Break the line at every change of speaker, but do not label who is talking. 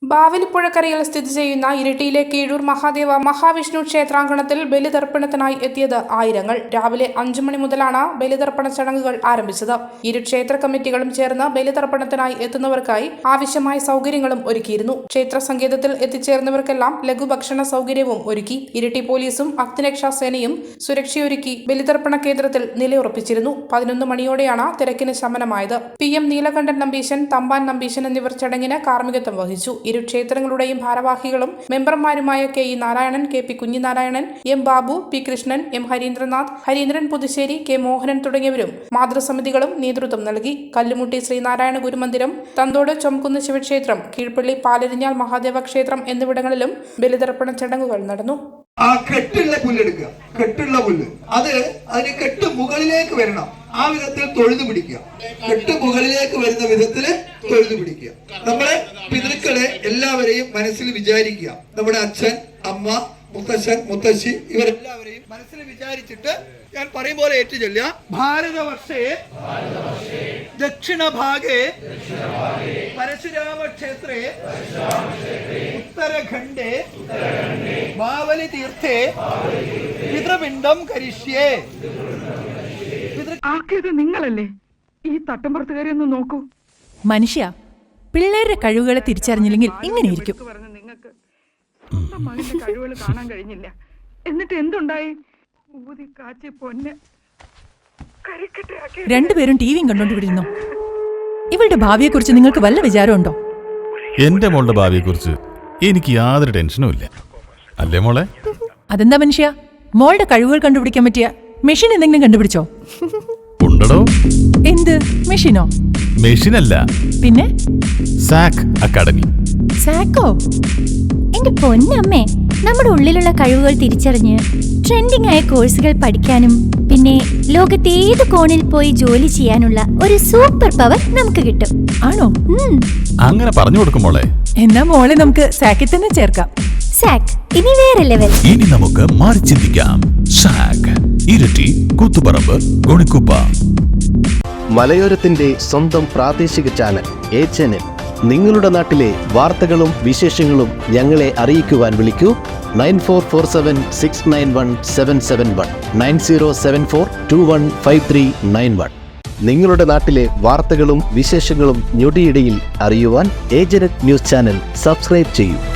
ബാവലിപ്പുഴക്കരയിൽ സ്ഥിതി ചെയ്യുന്ന ഇരിട്ടിയിലെ കീഴൂർ മഹാദേവ മഹാവിഷ്ണു ക്ഷേത്രാങ്കണത്തിൽ ബലിതർപ്പണത്തിനായി എത്തിയത് ആയിരങ്ങൾ. രാവിലെ 5 മണി മുതലാണ് ബലിതർപ്പണ ചടങ്ങുകൾ ആരംഭിച്ചത്. ഇരു ക്ഷേത്ര കമ്മിറ്റികളും ചേർന്ന് ബലിതർപ്പണത്തിനായി എത്തുന്നവർക്കായി ആവശ്യമായ സൗകര്യങ്ങളും ഒരുക്കിയിരുന്നു. ക്ഷേത്ര സങ്കേതത്തിൽ എത്തിച്ചേർന്നവർക്കെല്ലാം ലഘുഭക്ഷണ സൗകര്യവും ഒരുക്കി. ഇരിട്ടി പോലീസും അഗ്നിരക്ഷാ സേനയും സുരക്ഷയൊരുക്കി ബലിതർപ്പണ കേന്ദ്രത്തിൽ നിലയുറപ്പിച്ചിരുന്നു. 11 മണിയോടെയാണ് തിരക്കിന് ശമനമായത്. PM നീലകണ്ഠൻ നമ്പീശൻ, തമ്പാൻ നമ്പീശൻ എന്നിവർ ചടങ്ങിന് കാർമ്മികത്വം വഹിച്ചു. ഇരു ക്ഷേത്രങ്ങളുടെയും ഭാരവാഹികളും മെമ്പർമാരുമായ KE Narayanan, KP കുഞ്ഞിനാരായണൻ, M Babu, P Krishnan, M Harindranath, Harindran Puthussery, K Mohanan തുടങ്ങിയവരും മാതൃസമിതികളും നേതൃത്വം നൽകി. കല്ലുമുട്ടി ശ്രീനാരായണ ഗുരുമന്ദിരം, തന്തോട് ചൊംകുന്ന് ശിവക്ഷേത്രം, കീഴ്പള്ളി പാലരിഞ്ഞാൽ മഹാദേവ ക്ഷേത്രം എന്നിവിടങ്ങളിലും ബലിതർപ്പണ ചടങ്ങുകൾ നടന്നു.
ആ കെട്ടുള്ള പുല്ലെടുക്കുക, കെട്ടുള്ള പുല്ല് അതിന് കെട്ട് മുകളിലേക്ക് വരണം. ആ വിധത്തിൽ തൊഴുതു പിടിക്കുക. കെട്ട് മുകളിലേക്ക് വരുന്ന വിധത്തിൽ തൊഴുതു പിടിക്കുക. നമ്മുടെ പിതൃക്കളെ എല്ലാവരെയും മനസ്സിൽ വിചാരിക്കുക. നമ്മുടെ അച്ഛൻ, അമ്മ, മുത്തശ്ശൻ, മുത്തശ്ശി ഇവരെല്ലാവരെയും മനസ്സിൽ വിചാരിച്ചിട്ട് ഞാൻ പറയും പോലെ ഏറ്റുചൊല്ലുക. ഭാരതവർഷേ ദക്ഷിണഭാഗേ പരശുരാമ ക്ഷേത്രേ ഉത്തരഖണ്ഡേ ബാവലി തീർത്ഥേ പിതൃപിണ്ഡം കരിഷ്യേ.
ആക്കിയത് നിങ്ങളല്ലേ? ഈ തട്ടമ്പുറത്തുകാരി ഒന്ന് നോക്കൂ.
മനുഷ്യ, പിള്ളേരുടെ കഴിവുകളെ തിരിച്ചറിഞ്ഞില്ലെങ്കിൽ ഇങ്ങനെയിരിക്കും.
നിങ്ങൾക്ക് മകന്റെ കഴിവുകൾ കാണാൻ കഴിഞ്ഞില്ല. എന്നിട്ട് എന്തുണ്ടായി? ഊതി കാച്ചി പൊന്നെ
രണ്ടുപേരും ടിവിയും കണ്ടോണ്ടിരുന്നു. ഇവളുടെ ഭാവിയെക്കുറിച്ച് നിങ്ങൾക്ക് വല്ല വിചാരമുണ്ടോ?
എന്റെ മോളുടെ ഭാവിയെക്കുറിച്ച് എനിക്ക് യാതൊരു ടെൻഷനും ഇല്ല. അല്ലേ മോളെ?
അതെന്താ മനുഷ്യ, മോളുടെ കഴിവുകൾ കണ്ടുപിടിക്കാൻ പറ്റിയ മെഷീൻ എന്തെങ്കിലും കണ്ടുപിടിച്ചോ?
ഉണ്ടോ?
എന്ത് മെഷീനോ?
മെഷീനല്ല,
പിന്നെ
സാക് അക്കാഡമി.
സാക്കോ?
എന്റെ പൊന്നമ്മേ, നമ്മുടെ ഉള്ളിലുള്ള കഴിവുകൾ തിരിച്ചറിഞ്ഞ് ട്രെൻഡിംഗ് ആയ കോഴ്സുകൾ പഠിക്കാനും പിന്നെ ലോകത്തെ ഏത് കോണിൽ പോയി ജോലി ചെയ്യാനുള്ള ഒരു സൂപ്പർ പവർ നമുക്ക് കിട്ടും.
ആണോ?
അങ്ങനെ പറഞ്ഞു കൊടുക്കും മോളെ.
എന്നാ മോളെ നമുക്ക് സാക്കിൽ തന്നെ ചേർക്കാം.
സാക് ഇനി വേറെ ലെവൽ.
ഇനി നമുക്ക് മാറി ചിന്തിക്കാം. സാക്, ഇരിട്ടി, കൂത്തുപറമ്പ്, ഗുണിക്കുപ്പ.
മലയോരത്തിന്റെ സ്വന്തം പ്രാദേശിക ചാനൽ A-Channel. നിങ്ങളുടെ നാട്ടിലെ വാർത്തകളും വിശേഷങ്ങളും ഞങ്ങളെ അറിയിക്കുവാൻ വിളിക്കൂ. 9447691771 9074215391. നിങ്ങളുടെ നാട്ടിലെ വാർത്തകളും വിശേഷങ്ങളും ഞൊടിയിടയിൽ അറിയുവാൻ A-Channel ന്യൂസ് ചാനൽ സബ്സ്ക്രൈബ് ചെയ്യൂ.